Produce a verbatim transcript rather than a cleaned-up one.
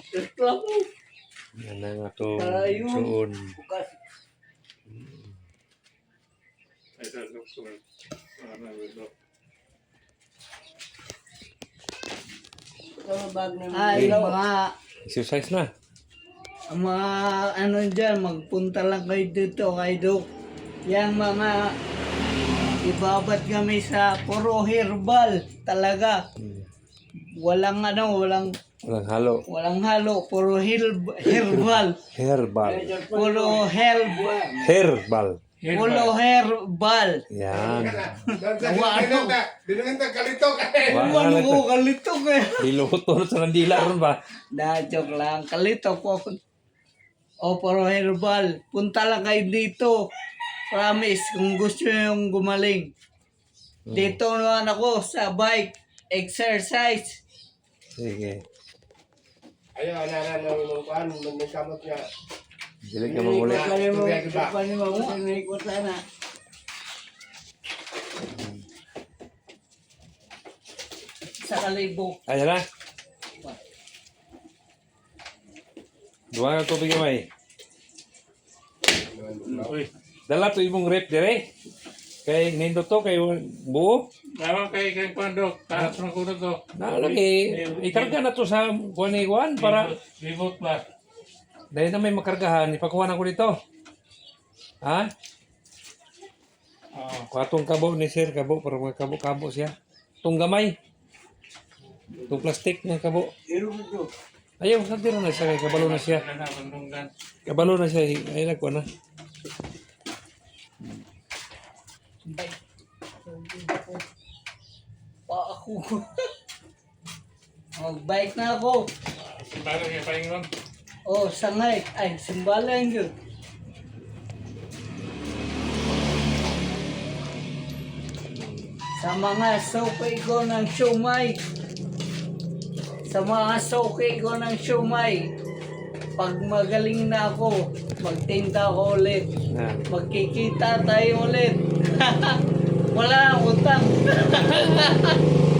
Reklamo. Yan na nga to. Ayun. Suon. Bukas. Ay, sa doktor. Ano, ito. Ay, mga, Exercise na. ang mga ano dyan, magpunta lang kayo dito kay Doc. Yang mga ibabat kami sa puro herbal talaga. Hmm. Walang ano, walang Walang halo. walang halo, puro herb, herbal. Herbal. Puro herbal. Herbal. Puro herbal. Yan. Ano? Dinungan ta kalito kay. Wala Ano na ko to. kalito kaya. Diluto na sa nandila ron ba? Da, joke lang. Kalito po ako. O, puro herbal. Punta lang kayo dito. Promise, kung gusto nyo yung gumaling. Dito naman ako sa bike. Exercise. Sige. Ayo ana ana nang nang kuan nang kamot niya. Dili ka mamuli. Sa kalibo. Ayan na. Duwa ka tubig gamay. Uy, Dala to imong rep dire. Kay nindo to kay buo. tawag kay kay Kwando. Taas ng kuno to. Nalagi. Ikarga na to sa kuan ni kuan para Reboot ba? dahil na may makargahan, ipakuha na ko dito. Ha? Oo. Kwatong kabo ni sir, kabo para mga kabo-kabo siya. Tung gamay. Tung plastic ng kabo. Ayaw, sa tira na siya kay kabalo na siya. Ano na, bandunggan. Kabalo na siya, ay nagkuha na. Bike. Pa ako. Mag-bike na ako. Simbalan kay Paingon. Oh, sangay. Ay, simbalan yun. Sa mga sokay ko ng siumay. Sa mga sokay ko ng siumay. Pag magaling na ako, magtinda ko ulit. Na. Magkikita tayo ulit. Wala nang utang.